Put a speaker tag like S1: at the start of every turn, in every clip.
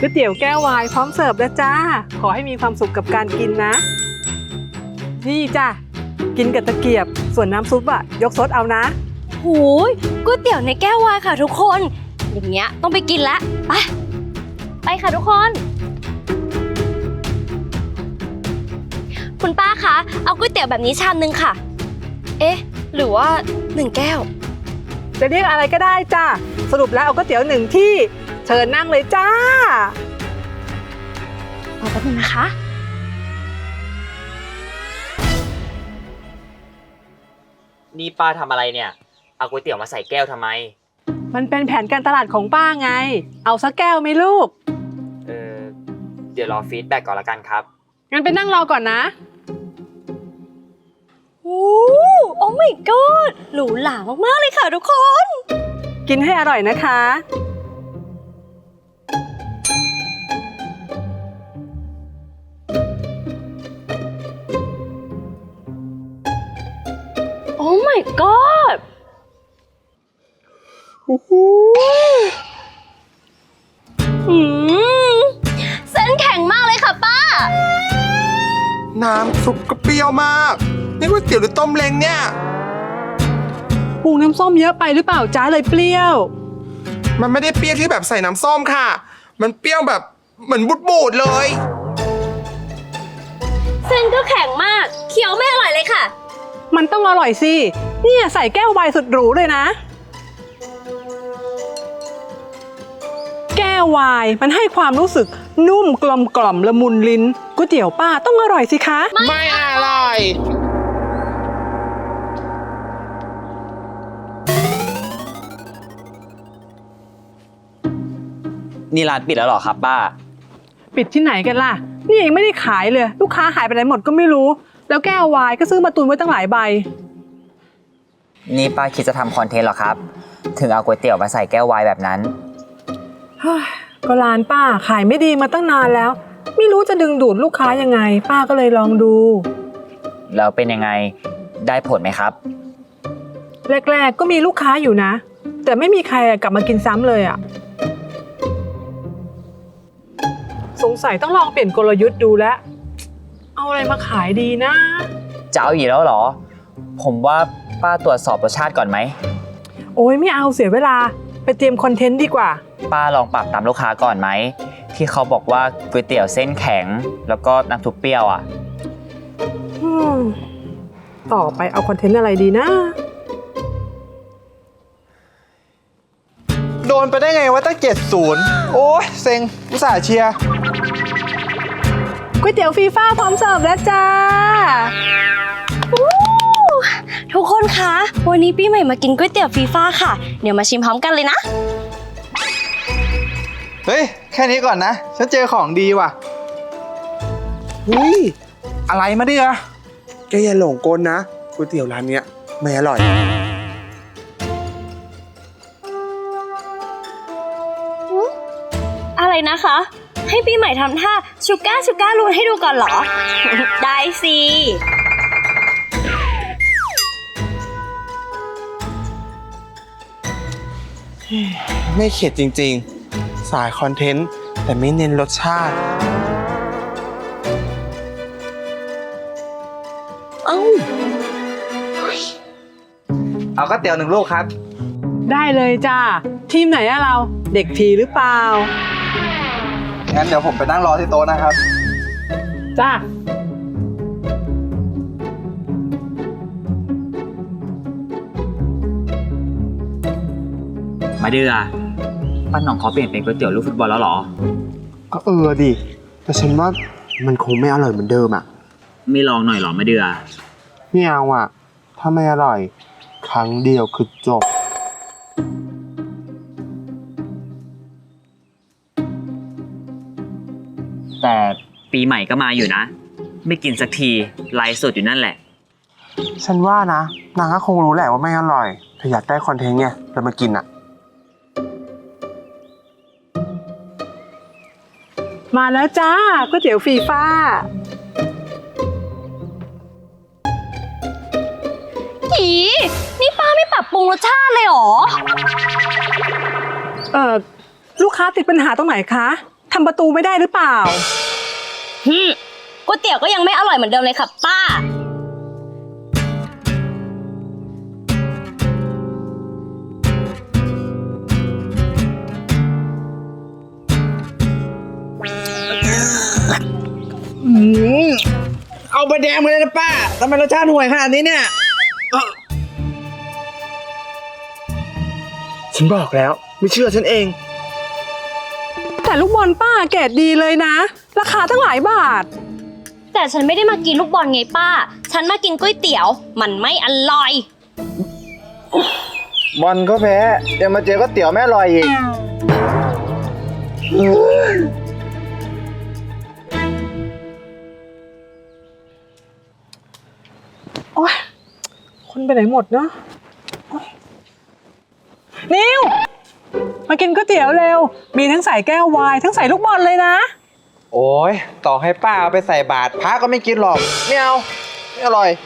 S1: ก๋วยเตี๋ยวแก้ววายพร้อมเสิร์ฟแล้วจ้าขอให้มีความสุขกับการกินนะนี่จ้ะกินกับตะเกียบส่วนน้ำซุปอะยกซดเอานะ
S2: หูยก๋วยเตี๋ยวในแก้ววายค่ะทุกคนอย่างเงี้ยต้องไปกินละไปค่ะทุกคนคุณป้าคะเอาก๋วยเตี๋ยวแบบนี้ชามนึงค่ะเอ๊ะหรือว่า1 แก้ว
S1: จะเรียกอะไรก็ได้จ้าสรุปแล้วเอาก๋วยเตี๋ยว1 ที่เชิญนั่งเลยจ้า
S2: ขอแป๊บนึงนะคะ
S3: นี่ป้าทำอะไรเนี่ยเอาก๋วยเตี๋ยวมาใส่แก้วทำไม
S1: มันเป็นแผนการตลาดของป้าไงเอาสักแก้วไหมลูก
S3: เออเดี๋ยวรอฟีดแบ็กก่อนละกันครับ
S1: งั้นไปนั่งรอก่อนนะ
S2: โอ้ my god หรูหรามากๆเลยค่ะทุกคน
S1: กินให้อร่อยนะคะ
S2: โอ้ my god เส้นแข็งมากเลยค่ะป้า
S4: น้ำซุปก็เปรี้ยวมากนี่ก๋วยเตี๋ยวหรือต้มเล้งเนี่ย
S1: ปรุงน้ำส้มเยอะไปหรือเปล่าจ้าเลยเปรี้ยว
S4: มันไม่ได้เปรี้ยวที่แบบใส่น้ำส้มค่ะมันเปรี้ยวแบบเหมือนบูดๆเลย
S2: เส้นก็แข็งมากเคี้ยวไม่อร่อยเลยค่ะ
S1: มันต้องอร่อยสิเนี่ยใส่แก้วไวน์สุดหรูเลยนะแก้วไวน์มันให้ความรู้สึกนุ่มกลมกล่อมละมุนลิ้นก๋วยเตี๋ยวป้าต้องอร่อยสิคะ
S4: ไม่อร่อย
S3: นี่ร้านปิดแล้วเหรอครับป้า
S1: ปิดที่ไหนกันล่ะนี่ยังไม่ได้ขายเลยลูกค้าหายไปไหนหมดก็ไม่รู้แล้วแก้วไวน์ก็ซื้อมาตุนไว้ตั้งหลายใบ
S3: นี่ป้าคิดจะทำคอนเทนต์เหรอครับถึงเอาก๋วยเตี๋ยวมาใส่แก้วไวน์แบบนั้น
S1: ก็ร้านป้าขายไม่ดีมาตั้งนานแล้วไม่รู้จะดึงดูดลูกค้ายังไงป้าก็เลยลองดู
S3: แล้วเป็นยังไงได้ผลไหมครับ
S1: แรกๆก็มีลูกค้าอยู่นะแต่ไม่มีใครกลับมากินซ้ำเลยอ่ะสงสัยต้องลองเปลี่ยนกลยุทธ์ดูแล้วเอาอะไรมาขายดีนะ
S3: จะเอาอีกแล้วเหรอผมว่าป้าตรวจสอบรสชาติก่อนไหม
S1: โอ้ยไม่เอาเสียเวลาไปเตรียมคอนเทนต์ดีกว่า
S3: ป้าลองปรับตามลูกค้าก่อนไหมที่เขาบอกว่าก๋วยเตี๋ยวเส้นแข็งแล้วก็น้ำซุปเปรี้ยวอ่ะ
S1: ต่อไปเอาคอนเทนต์อะไรดีนะ
S4: โดนไปได้ไงวะตั้ง70โอ้ยเซ็งอุตส่าห์เชียร์
S1: ก๋วยเตี๋ยวฟีฟ่าพร้อมเสิร์ฟแล้วจ้า
S2: ทุกคนคะวันนี้ปีใหม่มากินก๋วยเตี๋ยวฟีฟ่าค่ะเดี๋ยวมาชิมพร้อมกันเลยนะ
S4: เฮ้ยแค่นี้ก่อนนะฉันเจอของดีว่ะอะไรมาดิอะแกอย่าหลงกลนะก๋วยเตี๋ยวร้านเนี้ยไม่อร่อย
S2: อะไรนะคะให้ปีใหม่ทำท่าชูก้ารูนให้ดูก่อนเหรอ ได้สิ
S4: ไม่เข็ดจริงๆสายคอนเทนต์แต่ไม่เน้นรสชาติเอาก๋วยเตี๋ยว1 ลูกครับ
S1: ได้เลยจ้าทีมไหนอะเราเด็กผีหรือเปล่า
S4: งั้นเดี๋ยวผมไปนั่งรอที่โต๊ะนะครับ
S1: จ้า
S3: มาเดือป้าหน่องเขาเปลี่ยนเป็นก๋วยเตี๋ยวลูกฟุตบอลแล้วเหรอ
S4: ก็ดิแต่ฉันว่ามันคงไม่อร่อยเหมือนเดิมอ่ะ
S3: ไม่ลองหน่อยหรอมาเดือ
S4: ไม่เอาอ่ะถ้าไม่อร่อยครั้งเดียวคือจบ
S3: แต่ปีใหม่ก็มาอยู่นะไม่กินสักทีไลฟ์สดอยู่นั่นแหละ
S4: ฉันว่านะนางก็คงรู้แหละว่าไม่อร่อยแต่อยากได้คอนเทนต์ไงเลยมากินอ่ะ
S1: มาแล้วจ้าก๋วยเตี๋ยวฟีฟ่า
S2: นี่ป้าไม่ปรับปรุงรสชาติเลยเหรอ
S1: ลูกค้าติดปัญหาตรงไหนคะทำประตูไม่ได้หรือเปล่า
S2: ก๋วยเตี๋ยวก็ยังไม่อร่อยเหมือนเดิมเลยค่ะป้า
S4: เอาไปแดงมาเลยนะป้าทำไมรสชาติห่วยขนาดนี้เนี่ยฉันบอกแล้วไม่เชื่อฉันเอง
S1: แต่ลูกบอลป้าเกรดดีเลยนะ ราคาตั้งหลายบาท
S2: แต่ฉันไม่ได้มากินลูกบอลไงป้า ฉันมากินก๋วยเตี๋ยว มันไม่อร่อย
S5: บอลก็แพ้ยังมาเจอก็เตี๋ยวแม่อร่อยอีก
S1: โอ๊ย คนไปไหนหมดเนาะโอ๊ยนิว มากินก๋วยเตี๋ยวเร็ว มีทั้งใส่แก้ววาย ทั้งใส่ลูกบอลเลยนะ
S5: โอ้ยต่อให้ป้าเอาไปใส่บาตรพระก็ไม่กินหรอกไม่เอาไม่อร่อย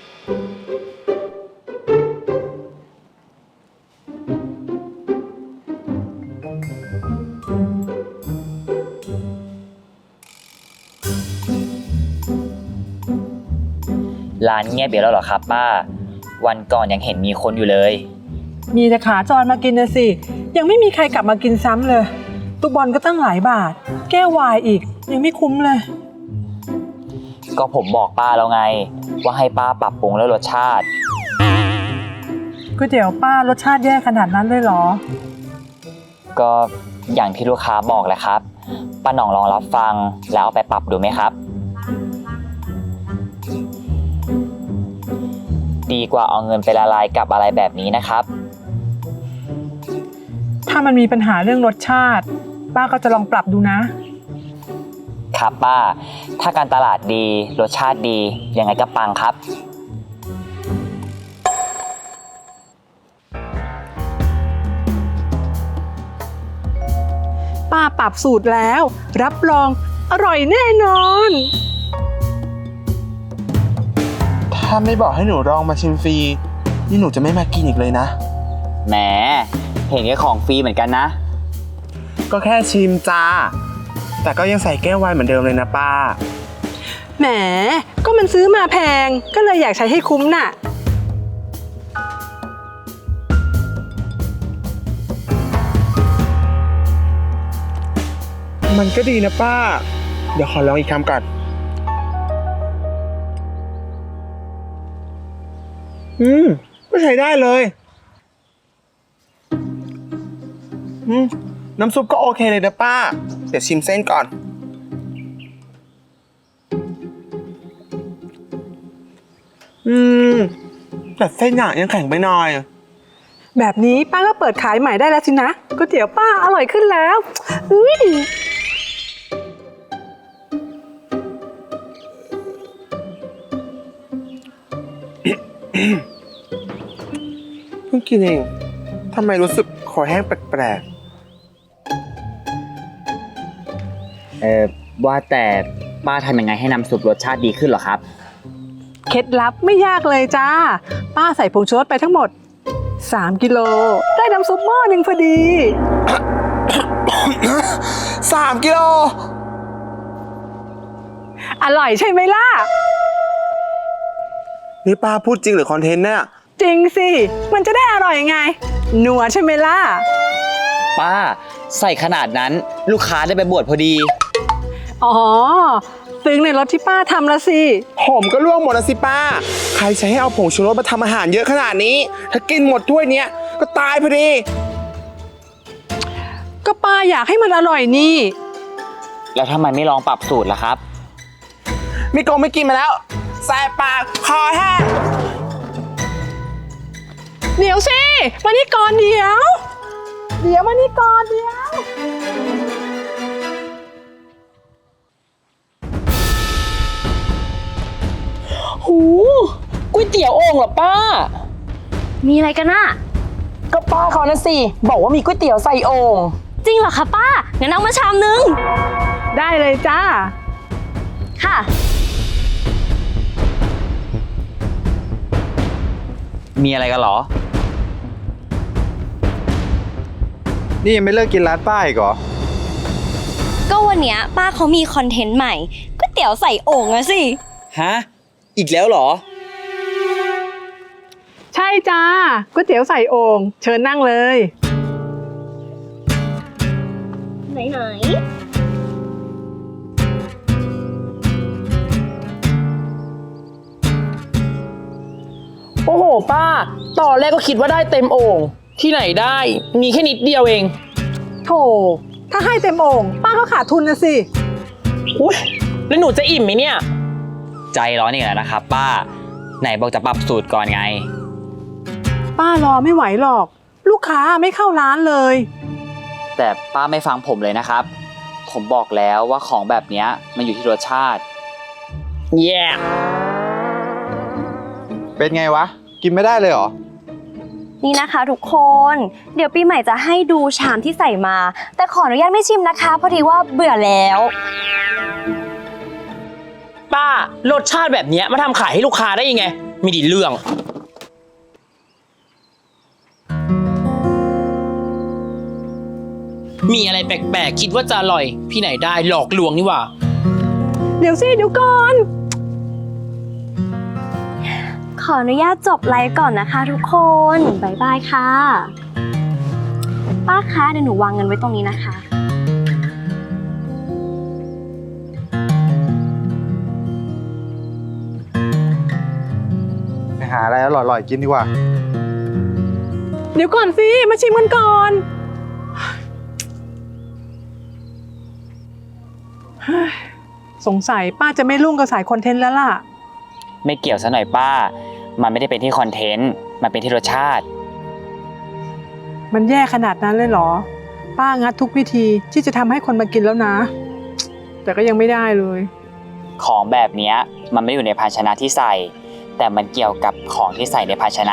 S3: ร้านเงียบไปแล้วเหรอครับป้า วันก่อนยังเห็นมีคนอยู่เลย
S1: มีแต่ขาจรมากินนะสิ ยังไม่มีใครกลับมากินซ้ำเลยลูกบอลก็ตั้งหลายบาท แก้ววายอีก ยังไม่คุ้มเลย
S3: ก็ผมบอกป้าแล้วไง ว่าให้ป้าปรับปรุงแล้วรสชาติ
S1: ก๋วยเตี๋ยวป้ารสชาติแย่ขนาดนั้นเลยเหรอ
S3: ก็อย่างที่ลูกค้าบอกแหละครับป้าหน่องลองรับฟังแล้วเอาไปปรับดูไหมครับ ดีกว่าเอาเงินไปละลายกับอะไรแบบนี้นะครับ
S1: ถ้ามันมีปัญหาเรื่องรสชาติ ป้าก็จะลองปรับดูนะ
S3: ครับป้า ถ้าการตลาดดีรสชาติดียังไงก็ปังครับ
S1: ป้าปรับสูตรแล้ว รับรองอร่อยแน่นอน
S4: ถ้าไม่บอกให้หนูลองมาชิมฟรีนี่หนูจะไม่มากินอีกเลยนะ
S3: แหม เห็นแค่ของฟรีเหมือนกันนะ
S4: ก็แค่ชิมจ้า แต่ก็ยังใส่แก้วไวน์เหมือนเดิมเลยนะป้า
S1: แหม ก็มันซื้อมาแพง ก็เลยอยากใช้ให้คุ้มน่ะ
S4: มันก็ดีนะป้า เดี๋ยวขอลองอีกคำก่อน ก็ใช้ได้เลยน้ำซุปก็โอเคเลยนะป้า เดี๋ยวชิมเส้นก่อน แต่เส้นอะยังแข็งไปหน่อย
S1: แบบนี้ป้าก็เปิดขายใหม่ได้แล้วสินะก๋วยเตี๋ยวป้าอร่อยขึ้นแล้วอุ๊ย
S4: เพิ่งกินเอง ทำไมรู้สึกคอแห้งแปลก
S3: ว่าแต่ป้าทำยังไงให้น้ำซุปรสชาติดีขึ้นเหรอครับ
S1: เคล็ดลับไม่ยากเลยจ้า ป้าใส่ผงชูรสไปทั้งหมด 3 กิโล ได้น้ำซุปหม้อหนึ่งพอดี
S4: ๆ 3 กิโล
S1: อร่อยใช่ไหมล่ะ
S4: นี่ป้าพูดจริงหรือคอนเทนต์เนี่ย
S1: จริงสิ มันจะได้อร่อยไง นัวใช่ไหมล่ะ
S3: ป้าใส่ขนาดนั้นลูกค้าได้ไปบวชพอดี
S1: อ๋อ ซึ้งในรสที่ป้าทำละสิ
S4: ผมก็ล่วงหมดแล้วสิป้า ใครใช้ให้เอาผงชูรสมาทำอาหารเยอะขนาดนี้ ถ้ากินหมดถ้วยเนี้ยก็ตายพอดี
S1: ก็ป้าอยากให้มันอร่อยนี่
S3: แล้วทำไมไม่ลองปรับสูตรล่ะครับ
S4: ไม่โกงไม่กินมาแล้วแสบปากคอแห้ง
S1: เดี๋ยวสิ มานี่ก่อนเดี๋ยว มานี่ก่อนเดี๋ยว
S6: หูก๋วยเตี๋ยวโอ่งเหรอป้า
S2: มีอะไรกันน่ะ
S6: ก็ป้าเขานะสิ บอกว่ามีก๋วยเตี๋ยวใส่โอ่ง
S2: จริงเหรอคะป้า งั้นเอามาชามนึง
S1: ได้เลยจ้า
S2: ค่ะ
S3: มีอะไรกันเหรอ
S5: นี่ยังไม่เลิกกินร้านป้าอีกเหรอ
S2: ก็วันเนี้ยป้าเขามีคอนเทนต์ใหม่ก๋วยเตี๋ยวใส่โอ่งอะสิ
S3: ฮะ อีกแล้วเหรอ
S1: ใช่จ้าก๋วยเตี๋ยวใส่โอ่งเชิญนั่งเลย
S2: ไหน
S6: โอ้โหป้า ตอนแรกก็คิดว่าได้เต็มโอ่งที่ไหนได้ มีแค่นิดเดียวเอง
S1: โถถ้าให้เต็มโอ่งป้าก็ขาดทุนนะสิ
S6: อุ้ยแล้วหนูจะอิ่มไหมเนี่ย
S3: ใจร้อนอีกแล้วนะครับ ป้า ไหนบอกจะปรับสูตรก่อนไง
S1: ป้ารอไม่ไหวหรอก ลูกค้าไม่เข้าร้านเลย
S3: แต่ป้าไม่ฟังผมเลยนะครับ ผมบอกแล้วว่าของแบบเนี้ยมันอยู่ที่รสชาติ
S6: แย่
S5: เป็นไงวะ กินไม่ได้เลยเหรอ
S2: ๆนี่นะคะทุกคน เดี๋ยวปีใหม่จะให้ดูชามที่ใส่มา แต่ขออนุญาตไม่ชิมนะคะพอดีว่าเบื่อแล้ว
S6: ป้ารสชาติแบบเนี้ยมาทำขายให้ลูกค้าได้ยังไงมีดีเรื่อง มีอะไรแปลกๆคิดว่าจะอร่อย พี่ไหนได้หลอกลวงนี่หว่า
S1: เดี๋ยวสิเดี๋ยวก่อน
S2: ขออนุญาตจบไลฟ์ก่อนนะคะทุกคน บ๊ายบายค่ะ ป้าคะเดี๋ยวหนูวางเงินไว้ตรงนี้นะคะ
S5: ไปหาอะไรอร่อยๆกินดีกว่า
S1: เดี๋ยวก่อนสิมาชิมกันก่อนเฮ้ยสงสัยป้าจะไม่รุ่งกับสายคอนเทนต์แล้วล่ะ
S3: ไม่เกี่ยวซะหน่อยป้า มันไม่ได้เป็นที่คอนเทนต์ มันเป็นที่รสชาติ
S1: มันแย่ขนาดนั้นเลยเหรอ ป้างัดทุกวิธีที่จะทำให้คนมากินแล้วนะ แต่ก็ยังไม่ได้เลย
S3: ของแบบเนี้ยมันไม่อยู่ในภาชนะที่ใส่ แต่มันเกี่ยวกับของที่ใส่ในภาชนะ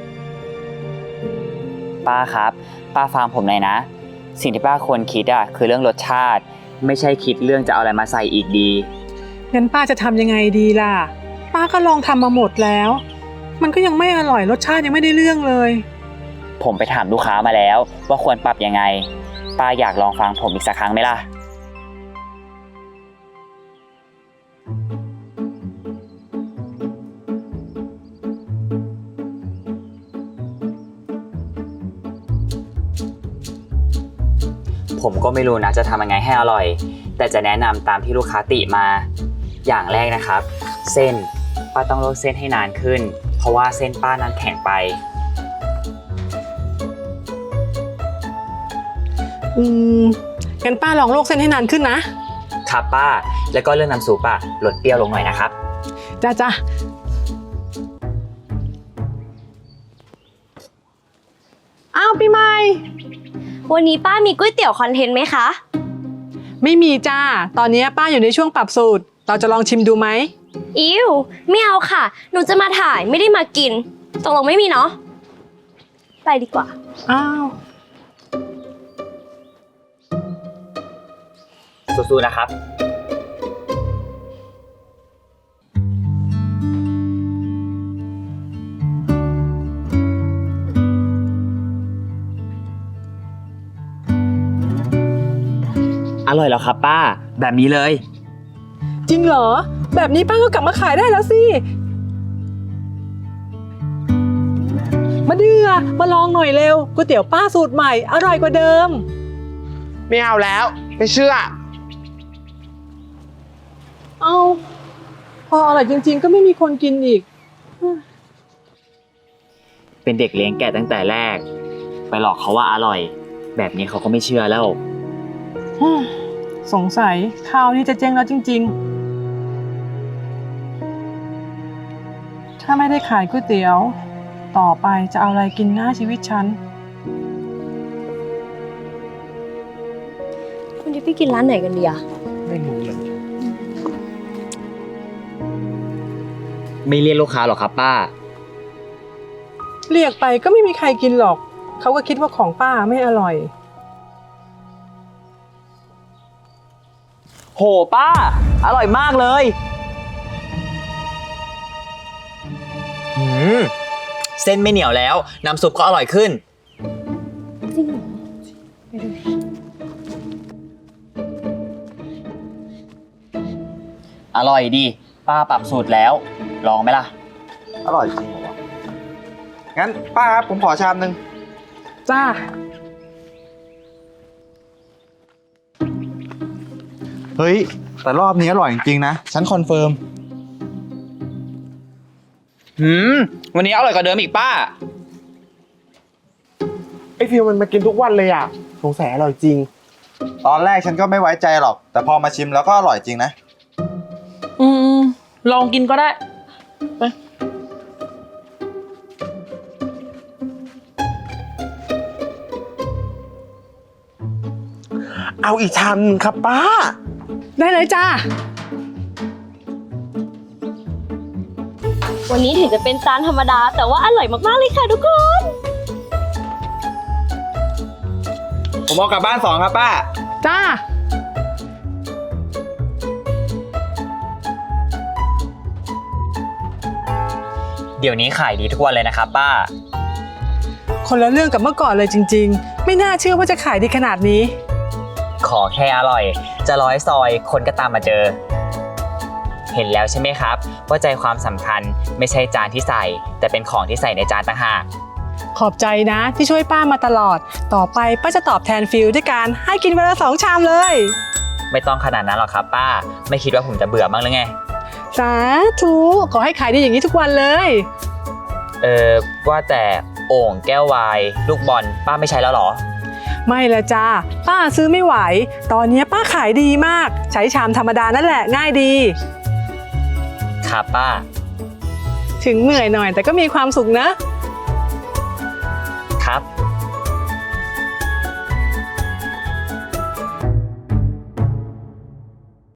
S3: ป้าครับ ป้าฟังผมหน่อยนะ สิ่งที่ป้าควรคิดอ่ะคือเรื่องรสชาติ ไม่ใช่คิดเรื่องจะเอาอะไรมาใส่อีกดี
S1: งั้นป้าจะทำยังไงดีล่ะ ป้าก็ลองทำมาหมดแล้ว มันก็ยังไม่อร่อยรสชาติยังไม่ได้เรื่องเลย
S3: ผมไปถามลูกค้ามาแล้วว่าควรปรับยังไง ป้าอยากลองฟังผมอีกสักครั้งไหมล่ะ ผมก็ไม่รู้นะจะทำยังไงให้อร่อย แต่จะแนะนำตามที่ลูกค้าติมา อย่างแรกนะครับ เส้นป้าต้องลวกเส้นให้นานขึ้น เพราะว่าเส้นป้านั้นแข็งไป
S1: งั้นป้าลองลวกเส้นให้นานขึ้นนะ
S3: ครับป้า แล้วก็เรื่องน้ำซุปอะลดเปรี้ยวลงหน่อยนะครับ
S1: จ้าจ้าอ้าวปีใหม่
S2: วันนี้ป้ามีก๋วยเตี๋ยวคอนเทนต์ไหมคะ
S1: ไม่มีจ้า ตอนนี้ป้าอยู่ในช่วงปรับสูตร เราจะลองชิมดูไหม
S2: อิวไม่เอาค่ะ หนูจะมาถ่ายไม่ได้มากิน ตกลงไม่มีเนาะ ไปดีกว่า
S1: อ้าว
S3: สู้ๆนะครับ อร่อยแล้วครับป้า แบบนี้เลย
S1: จริงเหรอ แบบนี้ป้าก็กลับมาขายได้แล้วสิ มาเดือมาลองหน่อยเร็วก๋วยเตี๋ยวป้าสูตรใหม่อร่อยกว่าเดิม
S4: ไม่เอาแล้ว ไม่เชื่อ
S1: เอาพออร่อยจริงๆ ก็ไม่มีคนกินอีก
S3: เป็นเด็กเลี้ยงแกะตั้งแต่แรก ไปหลอกเขาว่าอร่อย แบบนี้เขาก็ไม่เชื่อแล้ว
S1: สงสัยข้าวนี้จะเจ๊งแล้วจริงๆ ถ้าไม่ได้ขายก๋วยเตี๋ยว ต่อไปจะเอาอะไรกินหน้าชีวิตฉัน
S2: วันนี้ไปกินร้านไหนกันดีอะ
S4: ไม่รู้เลย
S3: ไม่เรียกลูกค้าหรอกครับป้า
S1: เรียกไปก็ไม่มีใครกินหรอก เขาก็คิดว่าของป้าไม่อร่อย
S3: โหป้า อร่อยมากเลย เส้นไม่เหนียวแล้ว น้ำซุปก็อร่อยขึ้น
S2: จริงเหรอ
S3: อร่อยดี ป้าปรับสูตรแล้ว ลองไหมล่ะ
S5: อร่อยจริงเหรอวะงั้นป้าครับผมขอชามนึง
S1: จ้า
S7: เฮ้ย แต่รอบนี้อร่อยจริงๆนะ ฉันคอนเฟิร์ม
S6: วันนี้อร่อยกว่าเดิมอีกป้า
S4: ไอฟิลมันมากินทุกวันเลยอ่ะสงสัยอร่อยจริง
S7: ตอนแรกฉันก็ไม่ไว้ใจหรอก แต่พอมาชิมแล้วก็อร่อยจริงนะ
S6: ลองกินก็ได้
S4: เอาอีกชามหนึงครับป้า
S1: ได้เลยจ้า
S2: วันนี้ถึงจะเป็นจานธรรมดา แต่ว่าอร่อยมากๆเลยค่ะทุกคน
S5: ผมเอากลับบ้าน2ครับป้า
S1: จ้า
S3: เดี๋ยวนี้ขายดีทุกวันเลยนะครับป้า
S1: คนละเรื่องกับเมื่อก่อนเลยจริง ๆ ไม่น่าเชื่อว่าจะขายดีขนาดนี้
S3: ขอแค่อร่อย จะร้อยซอยคนก็ตามมาเจอ เห็นแล้วใช่ไหมครับ ว่าใจความสำคัญไม่ใช่จานที่ใส่ แต่เป็นของที่ใส่ในจานต่างหาก
S1: ขอบใจนะที่ช่วยป้ามาตลอด ต่อไปป้าจะตอบแทนฟิลด้วยการให้กินวันละ2 ชามเลย
S3: ไม่ต้องขนาดนั้นหรอกครับป้า ไม่คิดว่าผมจะเบื่อบ้างหรือไง
S1: สาธุขอให้ขายดีอย่างนี้ทุกวันเลย
S3: ว่าแต่โอ่งแก้ววายลูกบอลป้าไม่ใช้แล้วเหรอ
S1: ไม่ละจ้าป้าซื้อไม่ไหว ตอนนี้ป้าขายดีมาก ใช้ชามธรรมดานั่นแหละง่ายดี
S3: ครับป้า
S1: ถึงเหนื่อยหน่อยแต่ก็มีความสุขนะ
S3: ครับ